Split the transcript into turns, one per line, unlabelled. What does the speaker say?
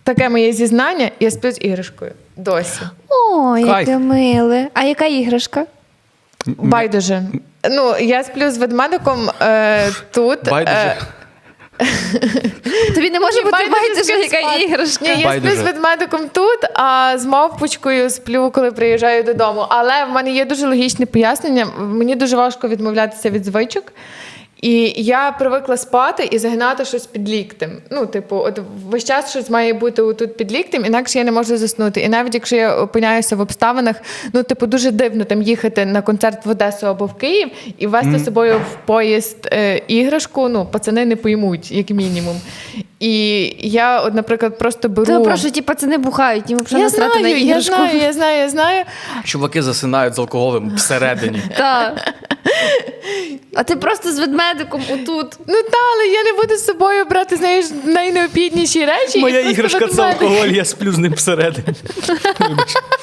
таке моє зізнання, я сплю з іграшкою. Досі.
О, яке
Кайф.
миле. А яка іграшка?
Байдуже. Ну, я сплю з ведмедиком тут.
Байдуже.
Тобі не може бути байдуже,
з ким
яка
спати.
іграшка.
Ні, я
Байдуже.
сплю з ведмедиком тут, а з мавпочкою сплю, коли приїжджаю додому. Але в мене є дуже логічне пояснення. Мені дуже важко відмовлятися від звичок. І я привикла спати і загинати щось під ліктем. Ну, типу, от весь час щось має бути отут під ліктем, інакше я не можу заснути. І навіть якщо я опиняюся в обставинах, ну, типу, дуже дивно там їхати на концерт в Одесу або в Київ і вести з собою в поїзд іграшку, ну, пацани не поймуть, як мінімум. І я, от, наприклад, просто беру...
То прошу, ті пацани бухають, їм взагалі
Я
насрати на іграшку.
я знаю.
Чуваки засинають з алкоголем всередині.
Так. А ти просто з ведмедиком отут.
Ну та, але я не буду з собою брати, знаєш, найнеобхідніші речі.
Моя
і просто
іграшка це
ведмедик.
алкоголь, я сплю з ним всередині. Вибач.